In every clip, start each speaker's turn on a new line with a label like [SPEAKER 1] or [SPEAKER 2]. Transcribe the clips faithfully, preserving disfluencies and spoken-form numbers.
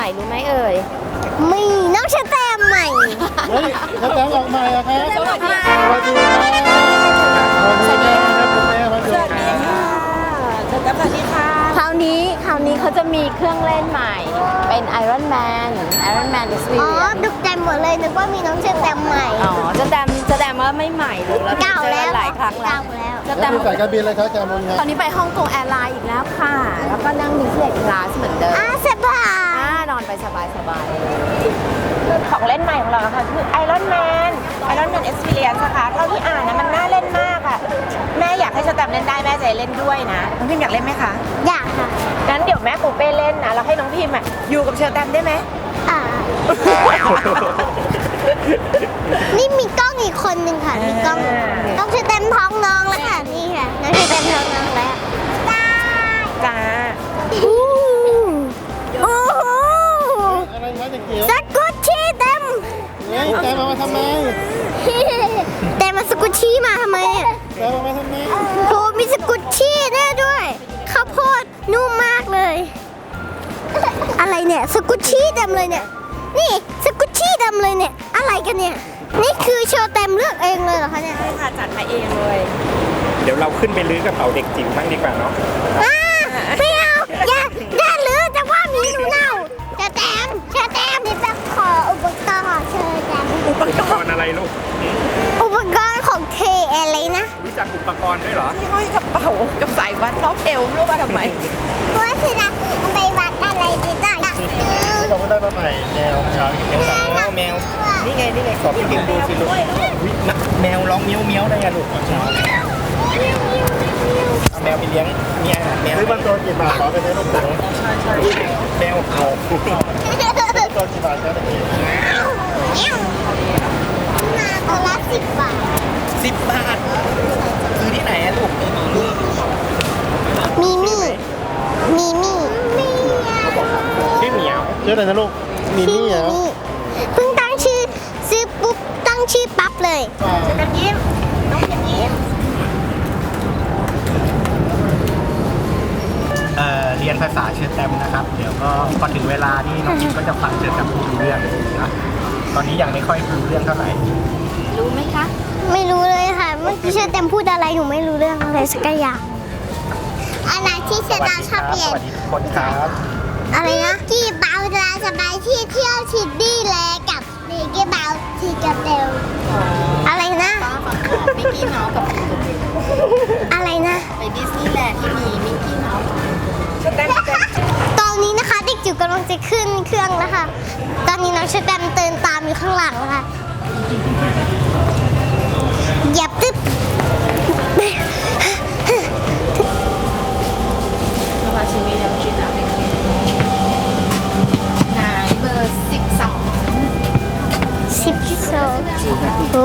[SPEAKER 1] ม่รู้ไหมเอ่ย
[SPEAKER 2] มีน้องชะแตมใหม่
[SPEAKER 3] เฮ้ยชะแตมออกใหม่อะครับ
[SPEAKER 1] สวัสดี
[SPEAKER 3] สวัสดีครับสวัสดีครับคุณแม่มาดูครับ
[SPEAKER 1] สวัสดีค่ะคราวนี้คราวนี้เขาจะมีเครื่องเล่นใหม่เป็น Iron Man Iron Man ดิสนีย์
[SPEAKER 2] อ๋อตกใจหมดเลยนึกว่ามีน้องชะแตมใหม่
[SPEAKER 1] อ๋อจะแดมจะแดมว่าไม่ใหม่หรือเรา
[SPEAKER 2] เก่าแล้ว
[SPEAKER 1] หลายครั้งแล้ว
[SPEAKER 2] เก่าแล้ว
[SPEAKER 1] จะแด
[SPEAKER 3] แล้ว
[SPEAKER 1] ม
[SPEAKER 3] คุณสายการบินอะไรครับแกมอนครับ
[SPEAKER 1] ตอนนี้ไปฮ่องกงแอร์ไลน์อีกแล้วค่ะ แล้วก็นั่งบิสเนสคลาสเหมือนเดิม
[SPEAKER 2] อ่ะสบาย
[SPEAKER 1] อ่านอนไปสบายสบายของเล่นใหม่ของเราค่ะคือ Iron Man Iron Man Experience นะคะเท่าที่อ่านนะมันน่าเล่นมากอะแม่อยากให้สแตมเล่นได้แม่จะเล่นด้วยนะน้องพิมอยากเล่นไหมคะ
[SPEAKER 2] อยากค่ะ
[SPEAKER 1] งั้นเดี๋ยวแม่ปูเป้เล่นนะแล้วให้น้องพิมอะอยู่กับเชอร์แตมได้ไหม
[SPEAKER 2] อ่านี่มีกล้องอีกคนหนึ่งค่ะมีกล้องน้องชะแตมท้องน้องแล้วค่ะนี่ค่ะน้องชะแตมท้องน้องแล้วได้
[SPEAKER 1] จ้า
[SPEAKER 2] อู้โอ้โห
[SPEAKER 3] อะไรครับเด็กเกียว
[SPEAKER 2] สกุชชี่เต็ม
[SPEAKER 3] เฮ้ยแกมามาทำไม
[SPEAKER 2] แต่มาสกุชชี่มาทำไมอ่ะ
[SPEAKER 3] แกมามาทำไม
[SPEAKER 2] โหมีสกุชชี่แน่ด้วยข้าวโพดนุ่มมากเลย อะไรเนี่ยสกุชชี่เต็มเลยเนี่ยนี่สกุชชี่เต็มเลยเนี่ยอะไรกันเนี่ยนี่คือโชว์เต็มเลือกเองเลยเหรอคะเนี่ย
[SPEAKER 1] ใช่ค่ะจัดมาเองเลย
[SPEAKER 4] เดี๋ยวเราขึ้นไปลื้อกระเป๋าเด็กจิ๋วบ้างดีกว่าเนาะ
[SPEAKER 2] อ่าไม่เอาอย่าอย่าหรือจะว่ามีหนูเน่าเชอแตมเชอแตมนี่เป็นขออุปกรณ์ของเชอแตม
[SPEAKER 4] อุปกรณ์อะไรลูก
[SPEAKER 2] อุปกรณ์ของเทอะไรนะ
[SPEAKER 4] รู้จักอุปกรณ์ด้วยเหรอ
[SPEAKER 1] ที่ห้อยกระเป๋ากับสายวัดรอบเอวไม่รู้ว่าทำไม
[SPEAKER 2] ว่าคือนะไปวัดอะไรดีจ้ะอยากซื้อ
[SPEAKER 3] ที่เราก็ได้มาใหม่แนวเช้าเขียว
[SPEAKER 4] แมวแมว นี่ไง นี่ไง ขอพี่พิมพ์ดูสิลูกอุ๊ยนะแมวร้องเมี้ยวเมี้ยวได้ไงลูกเอาแมวไปเลี้ยงมีอาหารแมว
[SPEAKER 3] ซื้อมาตัวกี่บาทขอไปได้ลูกตัว
[SPEAKER 4] ใช่ใช่แมวเอา
[SPEAKER 3] ตัวกี่บาทครับเด็กเกียว
[SPEAKER 2] มาตัวละสิบบาท
[SPEAKER 4] สิบบาทซื้อที่ไหนอะลูก
[SPEAKER 2] มีมี่มีมี่มี
[SPEAKER 4] ชื่อเหมียว
[SPEAKER 3] ชื่ออะไรนะลูกมี
[SPEAKER 2] ชื่อ
[SPEAKER 3] นี่เหรอ
[SPEAKER 2] มี่เพิ่งตั้งชื่อซื้อปุ๊บตั้งชื่อปั๊บเลย
[SPEAKER 1] กันยิ้มน้องพิมยิ้ม
[SPEAKER 4] เอ่อเรียนภาษาเชิญแตมนะครับ เดี๋ยวก็พอถึงเวลานี่น้องพิมก็จะฟังเชิญแตมพูดรู้เรื่องนะตอนนี้ยังไม่ค่อยรู้เรื่องเท่าไหร่
[SPEAKER 1] รู้ไหมคะ
[SPEAKER 2] ไม่รู้เลยค่ะ เมื่อกี้เชอเต็มพูดอะไรหนูไม่รู้เรื่องอะไรสักอย่างอะไรที่เชอดาชอบเรีย
[SPEAKER 4] ส
[SPEAKER 2] น
[SPEAKER 4] วัสดีทุกคนครับ
[SPEAKER 2] อะไรนะกี่เบาจะสบายที่เที่ยวชิดดี้แลกับดีกี่เบาที่กระเตลอะไรนะ
[SPEAKER 1] มิกกี้เมาส์กับ
[SPEAKER 2] อะไรนะ
[SPEAKER 1] ไปดิสนีย์แลนด์ที่มีมิกกี้เมาส์
[SPEAKER 2] ตอนนี้นะคะเด็กจิ๋วกำลังจะขึ้นเครื่องแล้วค่ะ ตอนนี้น้องเชอแตมเดินตามอยู่ข้างหลังนะคะเหยียบตึ๊บ
[SPEAKER 1] สมาชิกมีน้ำจิ้มนะนายเบอร์สิบสอง
[SPEAKER 2] สิบสองโอ้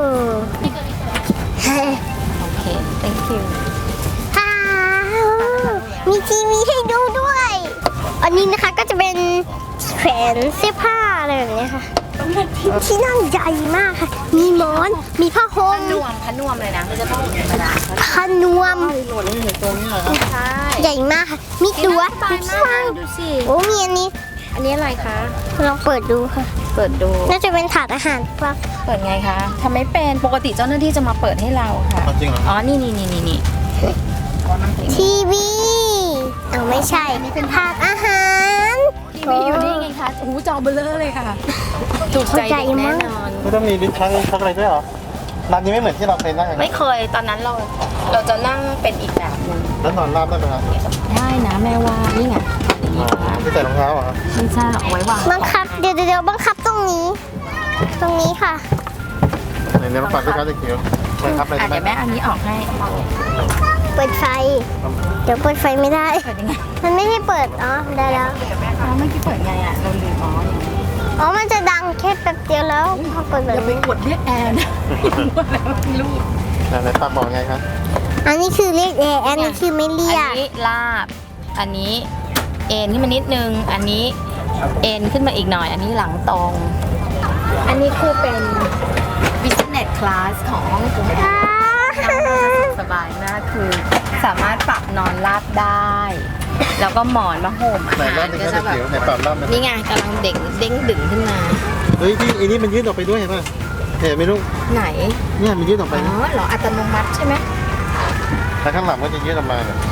[SPEAKER 1] โอเค thank you
[SPEAKER 2] ฮ่ามีทีวีให้ดูด้วย อันนี้นะคะก็จะเป็นแขวนเสื้อผ้าอะไรแบบนี้ค่ะ ที่นั่งใหญ่มากค่ะ มีหมอน มีผ้าห่
[SPEAKER 1] พ
[SPEAKER 2] ม
[SPEAKER 1] นวมพนวมเลยนะมันจะต้องธรรมดา
[SPEAKER 2] ผ้านวม
[SPEAKER 3] นี่เห็นตัวนี้เหรอครับ
[SPEAKER 1] ใช่
[SPEAKER 2] ใหญ่มากค่ะ มีตัวมีที่นั่ง
[SPEAKER 1] ดูสิ
[SPEAKER 2] โอ้มีอันนี้
[SPEAKER 1] อันนี้อะไรคะ
[SPEAKER 2] ลองเปิดดูค่ะ
[SPEAKER 1] เปิดดู
[SPEAKER 2] น่าจะเป็นถาดอาหารป่ะ
[SPEAKER 1] เปิดไงคะทำไม่เป็น ปกติเจ้าหน้าที่จะมาเปิดให้เราค่ะ
[SPEAKER 3] จริงเหรอ
[SPEAKER 1] อ๋อ นี่นี่นี่นี่นี่
[SPEAKER 2] ทีวีเอาไม่ใช่ นี่เป็นถาดอาหาร
[SPEAKER 1] ทีวีอยู่นี่ไงคะโอ้โหจอเบลอเลยค่ะ ถูกใจเด็กแน่นอน
[SPEAKER 3] ไม่ต้องมีลิ้นชักลิ้นชักอะไรด้วยเหรอร้านนี้ไม่เหมือนที่เราเคยนั่ง
[SPEAKER 1] ไม่เคย ตอนนั้นเรา เราจะนั่งเป็นอีกแบบหนึง
[SPEAKER 3] แล้วนอนราบได้ไหมครับ
[SPEAKER 1] ได้นะแม่ว่า นี่ไง
[SPEAKER 3] ที่ใส่รองเท้าเหรอ
[SPEAKER 1] ไม่ใช่เอาไว้วาง
[SPEAKER 2] บังคับ เดี๋ยวเดี๋ยวบังคับตรงนี้ ตรงนี้ค่ะ
[SPEAKER 3] ไหนเนี่ยมาฝากด้วยครับเด็กเกียวมาครับอะไร
[SPEAKER 1] อ่ะ
[SPEAKER 3] ได้
[SPEAKER 1] เดี๋ยว
[SPEAKER 3] ไหม
[SPEAKER 1] แม่เอานี้ออกให้
[SPEAKER 2] เปิดไฟ เดี๋ยวเปิดไฟไม่ได้
[SPEAKER 1] เปิดยังไง
[SPEAKER 2] มันไม่ให้เปิด อ๋อ ได้แล้ว
[SPEAKER 1] อ๋อเมื่อกี้เปิดไงอ่ะ เราลืมอ๋ออย่างนี้
[SPEAKER 2] อ๋อ มันจะดังแค่แป๊บเดียวแล้วพอเปิดแบบ
[SPEAKER 1] อย่าไป
[SPEAKER 2] นี้
[SPEAKER 1] กดเรียกแอนนะแล้วลูก
[SPEAKER 3] ไหนฝากบอกไงครับ
[SPEAKER 2] อันนี้คือเรียกแอร์อันนี้คือไม่เรีย
[SPEAKER 1] อั
[SPEAKER 2] ก
[SPEAKER 1] นนี้ลาบ อันนี้เอ็นขึ้นมานิดนึง อันนี้เอ็นขึ้นมาอีกหน่อย อันนี้หลังตรง อันนี้คือเป็น business class ของห้องกง
[SPEAKER 2] อ่า
[SPEAKER 1] สบายมากคือสามารถปรับนอนราบได้แล้วก็หมอนมาห่มอา
[SPEAKER 3] ไหน
[SPEAKER 1] หาร
[SPEAKER 3] รอบนึง
[SPEAKER 1] ก็
[SPEAKER 3] ก็
[SPEAKER 1] จะ
[SPEAKER 3] จะ
[SPEAKER 1] แบบ
[SPEAKER 3] เขียวไหนปรับรอบนึง
[SPEAKER 1] นี่ไงกำลังเด้งเด้งดึงขึ้นมา
[SPEAKER 3] เฮ้ยที่อันนี้มันยืดออกไปด้วยเห็นป่ะเห็นไหมลูก
[SPEAKER 1] ไหน
[SPEAKER 3] เนี่ยมันยืดออกไป
[SPEAKER 1] อ๋อเหรออัตโนมัติใช่ไหม
[SPEAKER 3] แล้วข้างหลังก็จะยืดออกมาเนี่ย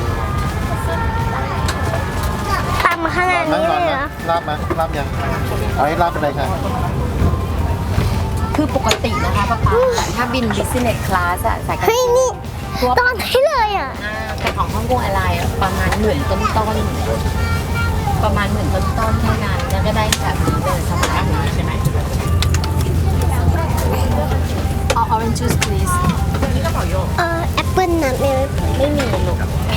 [SPEAKER 2] ต่ำขนาด
[SPEAKER 3] นั่ง
[SPEAKER 2] นี้
[SPEAKER 3] ก่อน
[SPEAKER 2] เลยเหร
[SPEAKER 3] นะ
[SPEAKER 2] อ
[SPEAKER 3] ลาบมาลาบยังเอาให้ลาบเป็นไรคะ
[SPEAKER 1] คือปกตินะคะป้าป๊าถ้าบิน business class อะสายการ
[SPEAKER 2] เฮ้ยนี่
[SPEAKER 1] ทั่ว
[SPEAKER 2] ตอนให้เลยอ่ะ
[SPEAKER 1] อ่าแต่ของฮ่องกงแอร์ไลน์อะประมาณหมื่นต้นต้นๆประมาณหมื่นต้นต้นๆเท่านั้นแล้วก็ได้แบบนี้เลยสมัยนี้ใช่ไหมเอา orange juice please
[SPEAKER 2] เออแอปเปิ้ลนะไม่
[SPEAKER 1] ไม่มีลูก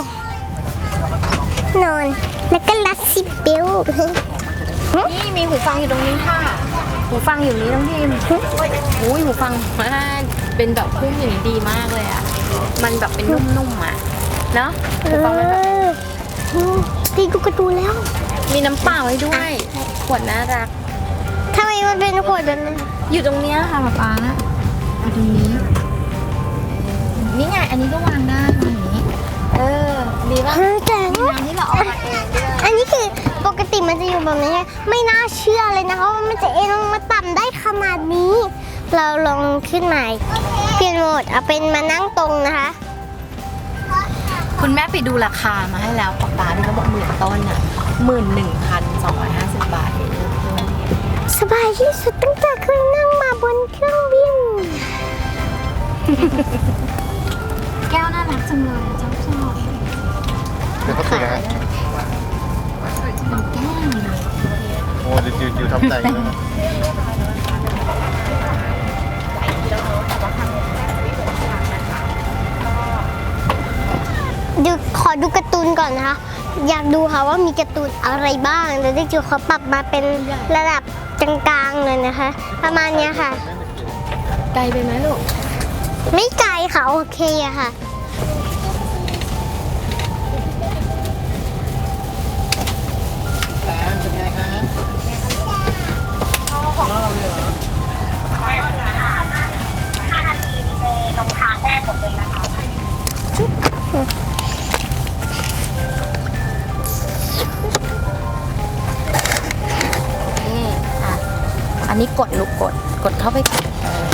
[SPEAKER 2] นอน แล้วก็ลัดซิปเบล
[SPEAKER 1] นี่มีหูฟังอยู่ตรงนี้ค่ะ หูฟังอยู่นี้น้องพิมอุ้ยหูฟังมาเป็นแบบพุ่มอย่างนี้ดีมากเลยอ่ะ มันแบบเป็นนุ่มๆอ่ะ เนอะ
[SPEAKER 2] เอ
[SPEAKER 1] หูฟังมันแบบ
[SPEAKER 2] อตีดูการ์ตูนแล้ว
[SPEAKER 1] มีน้ำเปล่าให้ด้วย ขวดน่ารัก
[SPEAKER 2] ทำไมมันเป็นขวดแบบนั้น
[SPEAKER 1] อยู่ตรงเนี้ยค่ะป๊าป๊าอยู่ตรงนี้ นี่ไง อันนี้ก็วางได้วางอย่างนี้ เออ ดีป่ะ
[SPEAKER 2] เออแต่
[SPEAKER 1] มีน้ำที่เราเอามาเองด้วย
[SPEAKER 2] อันนี้คือปกติมันจะอยู่แบบนี้ไงไม่น่าเชื่อเลยนะคะว่ามันจะเอ็นลงมาต่ำได้ขนาดนี้ เราลองขึ้นใหม่เปลี่ยนโหมดเอาเป็นมานั่งตรงนะคะ
[SPEAKER 1] คุณแม่ไปดูราคามาให้แล้วป๊าป๊าที่เขาบอกหมื่นต้นอ่ะหมื่นหนึ่งพันสองร้อยห้าสิบบาทเอง
[SPEAKER 2] สบายที่สุดตั้งแต่เคยนั่งมาบนเครื่องบิน
[SPEAKER 1] แก้วน่ารักจังเลยชอบชอบ
[SPEAKER 3] เดี๋ยวเขาติดนะฮะ
[SPEAKER 1] เป็นแก้วเลย
[SPEAKER 3] โอ้ดิวดิวทำใจอยู่นะ
[SPEAKER 2] ดูขอดูการ์ตูนก่อนนะคะ อยากดูค่ะว่ามีการ์ตูนอะไรบ้างแล้วได้จูเขาปรับมาเป็นระดับกลางๆเลยนะคะ ประมาณเนี้ยค่ะ
[SPEAKER 1] ไกลไปไหมลูก
[SPEAKER 2] ไม่ไกลค่ะโอเคอะค่ะ
[SPEAKER 3] เป็นไงคะ
[SPEAKER 1] นี่อ่ะ อันนี้กดลูกกด กดเข้าไปก่อนเออ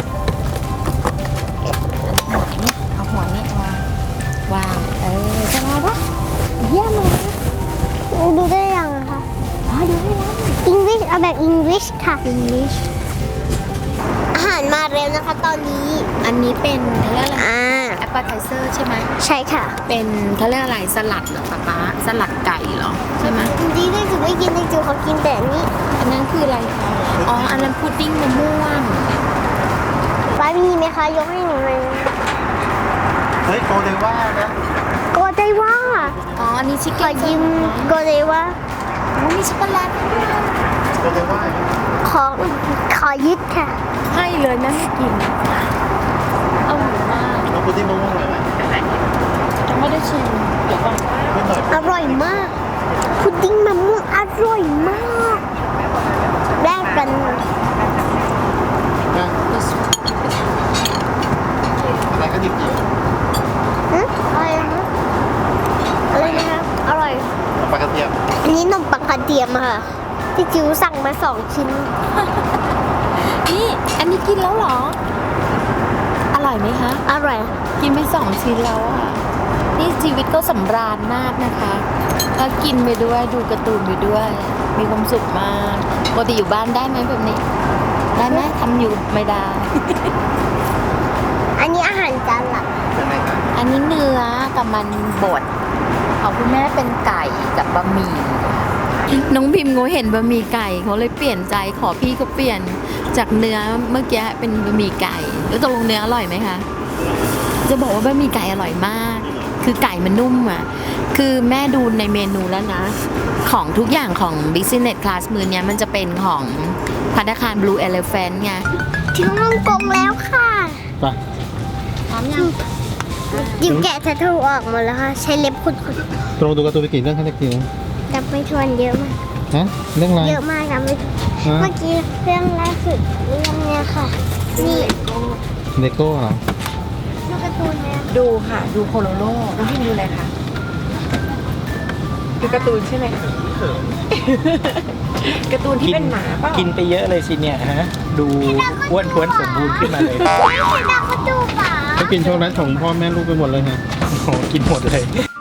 [SPEAKER 1] หัวนี้เอาหัวนี้วางวาง เออจะมาปะ
[SPEAKER 2] เยี่ยมเลยนะดูได้ยังอะคะอ๋อดูได้แล้ว English เอาแบบ English ค่ะ
[SPEAKER 1] English
[SPEAKER 2] อาหารมาเร็วนะคะตอนนี้
[SPEAKER 1] อันนี้เป็นเขาเรียกอะไร
[SPEAKER 2] อ่า
[SPEAKER 1] appetizer ใช่ไหม
[SPEAKER 2] ใช่ค่ะ
[SPEAKER 1] เป็นเขาเรียกอะไรสลัดเหรอป๊าป๊าสลัดไก่เหรอ ใช่ไหม
[SPEAKER 2] จริงๆได้จูไม่กินได้จูเขากินแต่อันนี้
[SPEAKER 1] อันนั้นคืออะไรคะอ๋อ อันนั้นพุดดิ้งมะม่วง
[SPEAKER 2] ป้ามีไหมคะยกให้หนูเลย
[SPEAKER 3] เฮ้ยโกเดว่านะ
[SPEAKER 2] โกเดว่า
[SPEAKER 1] อ๋อ อันนี้ชิค
[SPEAKER 2] ข
[SPEAKER 1] เก้
[SPEAKER 2] อน ยืมโกเดว่า
[SPEAKER 1] โอ้มีช็อกโกแลตด้วย
[SPEAKER 3] โกเดว่า
[SPEAKER 2] ขอขอยึดค่ะ
[SPEAKER 1] ให้เลยแม่ไม่กินเอาหมูมาก
[SPEAKER 3] น้องพุดดิ้งมะม่วงเลยไหม
[SPEAKER 1] ยังไม่ได้ชิมเดี๋ยวก่อน
[SPEAKER 3] ไม่หน่อย
[SPEAKER 2] อร่อยมากพุดดิ้งมะม่วงอร่อยมากแลกกัน
[SPEAKER 3] นะอะไรก็ดิบ
[SPEAKER 2] หึอะไรนะคะอะไรนะคะอร่อย
[SPEAKER 3] ๆปลากระเทียม
[SPEAKER 2] อันนี้นมปังกระเทียมอะค่ะ ที่จิ๋วสั่งมาสองชิ้น
[SPEAKER 1] นี่อันนี้กินแล้วเหรอ อร่อยไหมคะ
[SPEAKER 2] อร่อย
[SPEAKER 1] กินไปสองชิ้นแล้วอ่ะ นี่ชีวิตก็สำราญมากนะคะก็กินไปด้วยดูการ์ตูนไปด้วย มีความสุขมากปกติอยู่บ้านได้ไหมแบบนี้ ได้ไหมทำอยู่ไม่ได้
[SPEAKER 2] อันนี้อาหารจานหลัก
[SPEAKER 3] เป็นไงคะ
[SPEAKER 1] อันนี้เนื้อกับมันบดของคุณแม่เป็นไก่กับบะหมี่น้องพิมพ์เขาเห็นบะหมี่ไก่เขาเลยเปลี่ยนใจขอพี่เขาเปลี่ยนจากเนื้อเมื่อกี้เป็นบะหมี่ไก่แล้วตกลงเนื้ออร่อยไหมคะจะบอกว่าบะหมี่ไก่อร่อยมาก คือไก่มันนุ่มอ่ะคือแม่ดูในเมนูแล้วนะ ของทุกอย่างของ business class มือเนี้ยมันจะเป็นของภัตตาคาร Blue Elephant ไง
[SPEAKER 2] ถึงฮ่องกงแล้วค่ะ
[SPEAKER 3] ไป
[SPEAKER 1] พร้อมยัง
[SPEAKER 2] ยิมแกะแททูออกหมดแล้วค่ะ ใช้เล็บขุด
[SPEAKER 3] ตรงดูการ์ตูนไปกี่เรื่องคะตะกี้
[SPEAKER 2] ๆจับไม่ทวนเยอะมาก
[SPEAKER 3] ฮะเรื่องอะไร
[SPEAKER 2] เยอะมากจับไม่ทวน
[SPEAKER 3] ฮะ
[SPEAKER 2] เมื่อกี้เรื่องล่าสุดเรื่องเนี้ยค่ะ นี่
[SPEAKER 3] เลโก้เหรอ
[SPEAKER 2] ดูการ์ตูนไหม
[SPEAKER 1] ดูค่ะ ดูโคโลโลน้องพิมพ์ดูอะไรคะคือการ์ตูนใช่ไหมการ์ตูนที่เป็นหมาเปล่า
[SPEAKER 4] กินไปเยอะเลยสิเนี่ยฮะ ดูอ้วนท้วนสมบูรณ์ขึ้นมาเลย
[SPEAKER 2] ดาวกระจูป่า
[SPEAKER 3] ก็กินช็อกโกแลตของพ่อแม่ลูกไปหมดเลยฮะ
[SPEAKER 4] โอ้โหกินหมดเลย